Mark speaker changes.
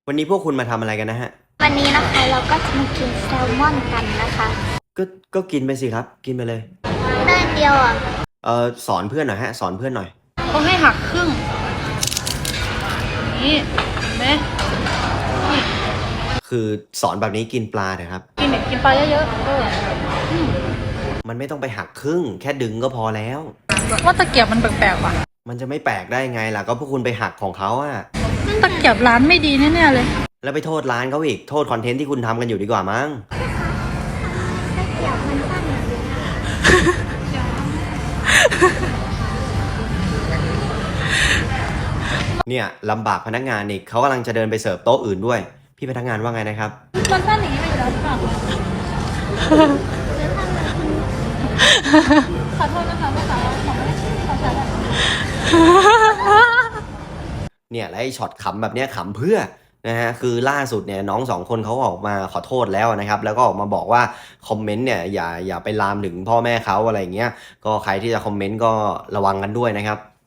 Speaker 1: วันนี้พวกคุณมาทำอะไรกันนะฮะ
Speaker 2: วันนี้นะคะเราก็จะมากินแซลมอนกันนะคะ
Speaker 1: ก็ก็กินไปสิครับกินไปเลย
Speaker 2: ได้เดียวอ่ะ
Speaker 1: สอนเพื่อนหน่อยฮะสอนเพื่อนหน่อย
Speaker 3: เขาให้หักครึ่งนี่เห็นไหมนี่
Speaker 1: คือสอนแบบนี้กินปลาเถอะครับ
Speaker 3: กินแบบกินปลาเยอะๆ
Speaker 1: มันไม่ต้องไปหักครึ่งแค่ดึงก็พอแล้ว
Speaker 3: ว่าตะเกียบมันแปลกๆว่ะ
Speaker 1: มันจะไม่แปลกได้ไงล่ะก็พวกคุณไปหักของเขาอะ
Speaker 3: ตะเกียบร้านไม่ดีแน่ๆเลย
Speaker 1: แล้วไปโทษร้านเขาอีกโทษคอนเทนต์ที่คุณทำกันอยู่ดีกว่ามั้ง
Speaker 2: เดี๋ยวมันสั้นอย่างนี้
Speaker 1: เนี่ยลำบากพนักงานอีกเขากำลังจะเดินไปเสิร์ฟโต๊ะอื่นด้วยพี่พนักงานว่าไงนะครับ
Speaker 3: มันสั้นอย่างนี้ไปอยู่แล้วหรือเปล่าขอโทษนะคะแม่ค้าของไม่ได้ขอใช้แบบ
Speaker 1: เนี่ยแล้วไอ้ช็อตขำแบบเนี้ยขำเพื่อนะฮะคือล่าสุดเนี่ยน้องสองคนเขาออกมาขอโทษแล้วนะครับแล้วก็ออกมาบอกว่าคอมเมนต์เนี่ยอย่าไปลามถึงพ่อแม่เขาอะไรอย่างเงี้ยก็ใครที่จะคอมเมนต์ก็ระวังกันด้วยนะครับ